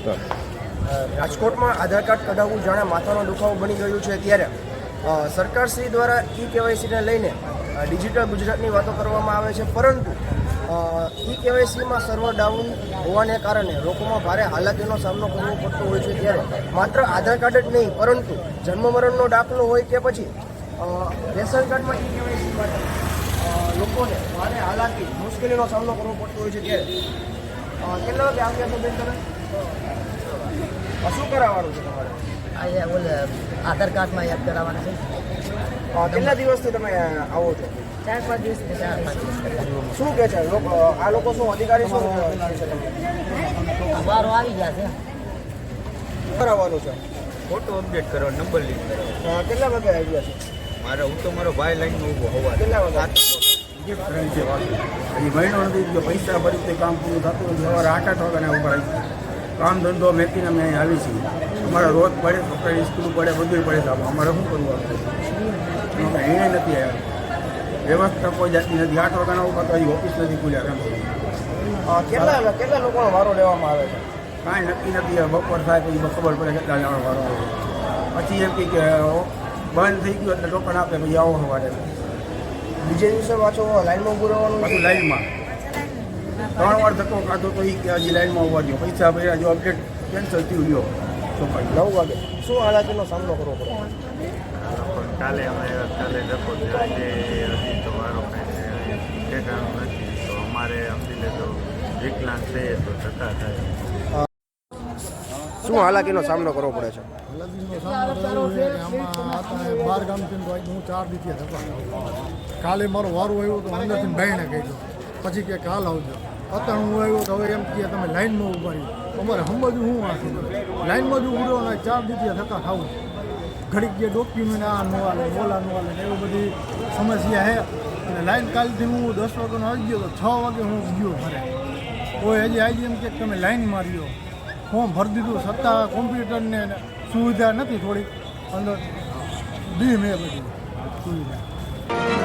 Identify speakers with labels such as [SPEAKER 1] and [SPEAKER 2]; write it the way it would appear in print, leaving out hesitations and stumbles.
[SPEAKER 1] નમસ્કાર.
[SPEAKER 2] રાજકોટમાં આધાર કાર્ડ કઢાવવું જાણે માથાનો દુખાવો બની ગયું છે ત્યારે સરકારશ્રી દ્વારા કેવાયસીને લઈને ડિજિટલ ગુજરાતની વાતો કરવામાં આવે છે, પરંતુ કેવાયસીમાં સર્વર ડાઉન હોવાને કારણે લોકોમાં ભારે હાલાકીનો સામનો કરવો પડતો હોય છે. ત્યારે માત્ર આધાર કાર્ડ જ નહીં, પરંતુ જન્મ મરણનો દાખલો હોય કે પછી રેશન કાર્ડમાં કેવાયસી માટે લોકોને ભારે હાલાકી મુશ્કેલીનો સામનો કરવો પડતો હોય છે. ત્યારે કેટલા વાગે આવ્યા છો બેન તમે? શું કરાવવાનું છે તમારે?
[SPEAKER 3] આજે બોલે આધાર કાર્ડમાં યાદ કરાવવાનું છે.
[SPEAKER 2] કેટલા દિવસથી તમે આવો છો?
[SPEAKER 3] 4-5 દિવસ.
[SPEAKER 2] શું કહે છે લોકો? આ લોકો શું અધિકારી શું કહે છે તમને?
[SPEAKER 3] વારો આવી ગયા છે.
[SPEAKER 2] કરાવવાનું છે?
[SPEAKER 4] ફોટો અપડેટ કરો, નંબર લિંક કરો.
[SPEAKER 2] કેટલા વાગે આવ્યા છે?
[SPEAKER 4] હું તો મારો ભાઈ લાઈનમાં ઊભો હોવા.
[SPEAKER 2] કેટલા વાગે?
[SPEAKER 1] એ મહિનો નથી ગયો, પૈસા ભરી તે કામ પૂરું થતું નથી. સવારે 8 વાગ્યાના ઉપર આવી કામ ધંધો મેકીને અમે અહીં આવી છીએ. અમારે રોજ પડે, છોકરાની સ્કૂલ પડે, બધું પડે છે. અમારે શું કરવું આપણે? એને નથી આવ્યા, વ્યવસ્થા કોઈ જાતની નથી. 8 વાગ્યાના ઉપર તો ઓફિસ નથી ખુલ્યા.
[SPEAKER 2] કેટલા લોકોનો વારો લેવામાં આવે છે?
[SPEAKER 1] કાંઈ નક્કી નથી. બપોર થાય પછી ખબર પડે કેટલા જવાનો વારો આવે. પછી એમ કે બંધ થઈ ગયું એટલે ટોકન આપે, પછી આવો સવારે.
[SPEAKER 2] બીજે દિવસે પાછો લાઈનમાં ઊભું રહેવાનું?
[SPEAKER 1] પાછું લાઈનમાં 3 વાર ધક્કો કાઢો તો એ કે હજી લાઈનમાં ઉભા રહ્યો. પૈસા ભર્યા, જો અપડેટ કેન્સલ થયું ગયો.
[SPEAKER 2] 9 વાગે શું હાલાકીનો સામનો કરવો પડે?
[SPEAKER 4] કાલે ધક્કો થયો, આજે હજી તો વારો કાંઈ ઠેકાણું નથી. તો અમારે સમજી લેતો વિકલાંગ થઈએ તો ધક્કા થાય.
[SPEAKER 2] શું હાલાકીનો સામનો કરવો પડે છે?
[SPEAKER 5] હાલાકીનો સામનો કરવો છે કે આમાં આપણે 12 ગામથી હું 4 દીથી થતા. કાલે મારો વારો આવ્યો તો અંદરથી બાયણે કહી દો, પછી કે કાલ આવજો. અત્યારે હું આવ્યો તો હવે એમ કહે તમે લાઈનમાં ઊભા રહ્યો. અમારે સમજવું હું આ લાઈનમાં જ ઊભો ને 4 દીથી થતા ખાવું. ઘડીક જે ડોક્યુમેન્ટ આ નો આલે, ઓલા નો આલે, એવી બધી સમસ્યા છે. અને લાઈન કાલથી હું 10 વાગ્યાનો આવી ગયો તો 6 વાગે હું ગયો ઘરે. કોઈ હજી આવી એમ કે તમે લાઈન માર્યો, ફોર્મ ભરી દીધું, છતાં કોમ્પ્યુટરને સુવિધા નથી થોડીક અંદર દી મેં બધી સુવિધા.